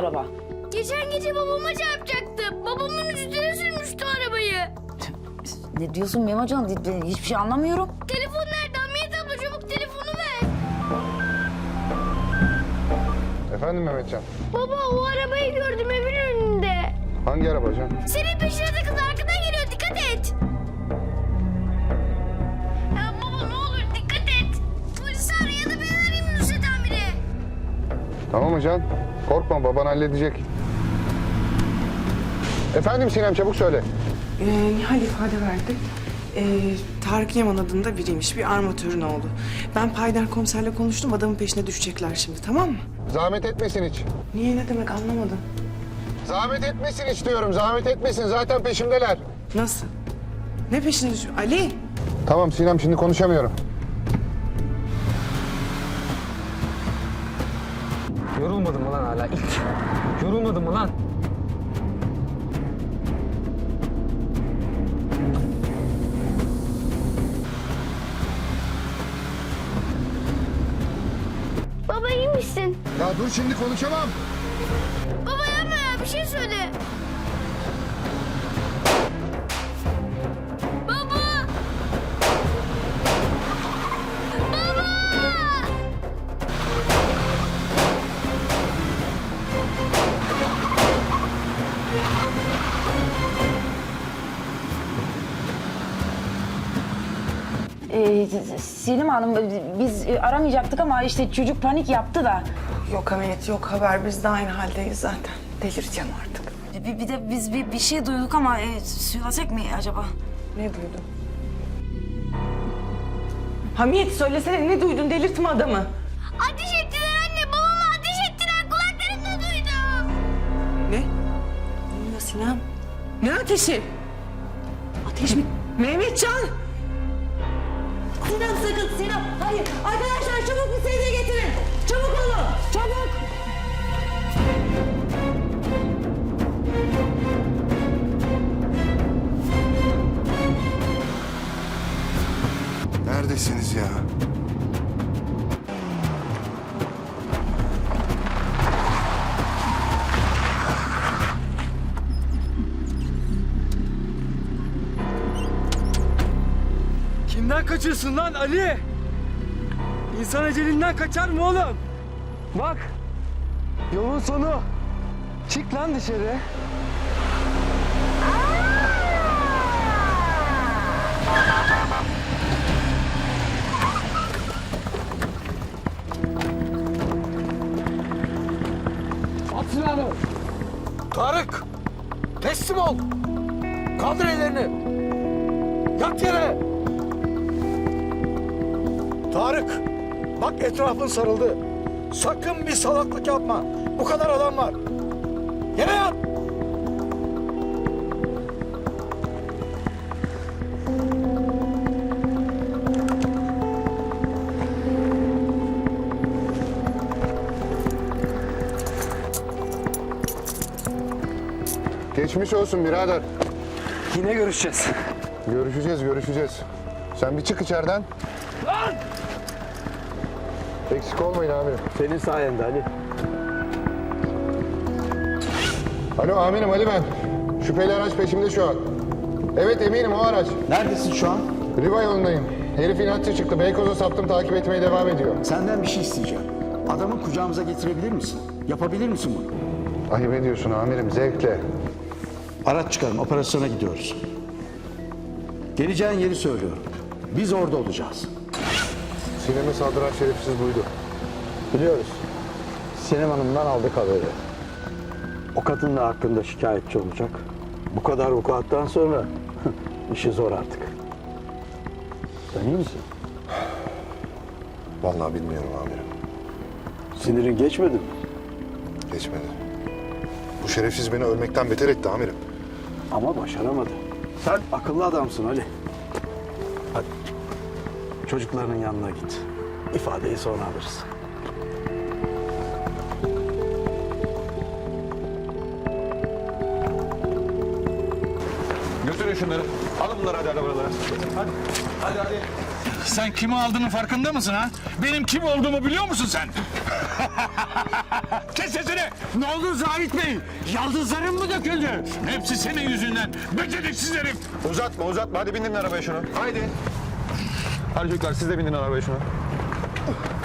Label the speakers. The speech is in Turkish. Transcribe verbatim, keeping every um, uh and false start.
Speaker 1: araba?
Speaker 2: Geçen gece babama çarpacaktı. Babamın üstüne sürmüştü arabayı.
Speaker 1: Ne diyorsun Memocan? Ben hiçbir şey anlamıyorum.
Speaker 2: Telefon nerede? Hamiyet abla çabuk telefonu ver.
Speaker 3: Efendim Mehmetcan?
Speaker 2: Baba o arabayı gördüm evin önünde.
Speaker 3: Hangi araba can?
Speaker 2: Senin peşine takıldı arkadan geliyor dikkat et. Ya baba ne olur dikkat et. Polisi ara ya da ben arayayım Nusret amire.
Speaker 3: Tamam mı can? Korkma baban halledecek. Efendim Sinem çabuk söyle.
Speaker 4: Ee, Nihal ifade verdi. Ee, Tarık Yaman adında biriymiş, bir armatörün oğlu. Ben Paydar komiserle konuştum, adamın peşine düşecekler şimdi, tamam mı?
Speaker 3: Zahmet etmesin hiç.
Speaker 4: Niye, ne demek anlamadım.
Speaker 3: Zahmet etmesin hiç diyorum. Zahmet etmesin. Zaten peşimdeler.
Speaker 4: Nasıl? Ne peşine düşüyor? Ali!
Speaker 3: Tamam Sinem şimdi konuşamıyorum.
Speaker 5: Yorulmadın mı lan hala ilk? Yorulmadın mı lan?
Speaker 2: Baba iyi misin?
Speaker 3: Ya dur şimdi konuşamam.
Speaker 2: Baba yapma ya bir şey söyle. Baba! Baba!
Speaker 1: Ee, Selim Hanım biz aramayacaktık ama işte çocuk panik yaptı da.
Speaker 4: Yok Hamiyet, yok haber. Biz de aynı haldeyiz zaten. Delireceğim artık.
Speaker 1: Bir, bir de biz bir, bir şey duyduk ama e, söylesek mi acaba?
Speaker 4: Ne duydun? Hamiyet söylesene, ne duydun? Delirtme adamı.
Speaker 2: Ateş ettiler anne babama ateş ettiler kulaklarımda duydum.
Speaker 4: Ne? Ne oluyor Sinem? Ne ateşi? Ateş mi? Mehmetcan!
Speaker 1: Sinem sakın Sinem. Hayır arkadaşlar çabuk bir sedye getirin. Çabuk olun çabuk.
Speaker 3: Neredesiniz ya?
Speaker 5: Kimden kaçıyorsun lan Ali? İnsan ecelinden kaçar mı oğlum? Bak, yolun sonu. Çık lan dışarı. At silahını. Tarık, teslim ol. Kaldır ellerini. Yat yere. Tarık, bak etrafın sarıldı. Sakın bir salaklık yapma. Bu kadar adam var. Yere yat.
Speaker 3: Geçmiş olsun birader.
Speaker 5: Yine görüşeceğiz.
Speaker 3: Görüşeceğiz görüşeceğiz. Sen bir çık içeriden.
Speaker 5: Lan!
Speaker 3: Eksik olmayın amirim.
Speaker 5: Senin sayende Ali.
Speaker 3: Alo amirim Ali ben. Şüpheli araç peşimde şu an. Evet eminim o araç.
Speaker 6: Neredesin şu an?
Speaker 3: Riva yolundayım. Herif inatçı çıktı. Beykoz'a saptım takip etmeye devam ediyor.
Speaker 6: Senden bir şey isteyeceğim. Adamı kucağımıza getirebilir misin? Yapabilir misin bunu?
Speaker 3: Ayıp ediyorsun amirim zevkle.
Speaker 6: Araç çıkarın, operasyona gidiyoruz. Geleceğin yeri söylüyorum. Biz orada olacağız.
Speaker 3: Sinem'e saldıran şerefsiz buydu.
Speaker 7: Biliyoruz. Sinem Hanım'dan aldık haberi. O kadın da hakkında şikayetçi olacak. Bu kadar vukuattan sonra işi zor artık. Sen iyi misin?
Speaker 3: Vallahi bilmiyorum amirim.
Speaker 7: Sinirin geçmedi mi?
Speaker 3: Geçmedi. Bu şerefsiz beni ölmekten beter etti amirim.
Speaker 7: Ama başaramadı. Sen akıllı adamsın Ali. Hadi. Çocuklarının yanına git. İfadeyi sonra alırız.
Speaker 8: Götürün şunları. Alın bunları hadi arabalara. Hadi. Hadi hadi. Sen kimi aldığının farkında mısın ha? Benim kim olduğumu biliyor musun sen?
Speaker 5: Kes sesini!
Speaker 6: Ne oldu Zahit Bey? Yaldızların mı döküldü?
Speaker 5: Hepsi senin yüzünden. Beceriksiz herif.
Speaker 8: Uzatma uzatma hadi bindirin arabaya şunu. Haydi. Hadi çocuklar siz de bindin arabaya şunu.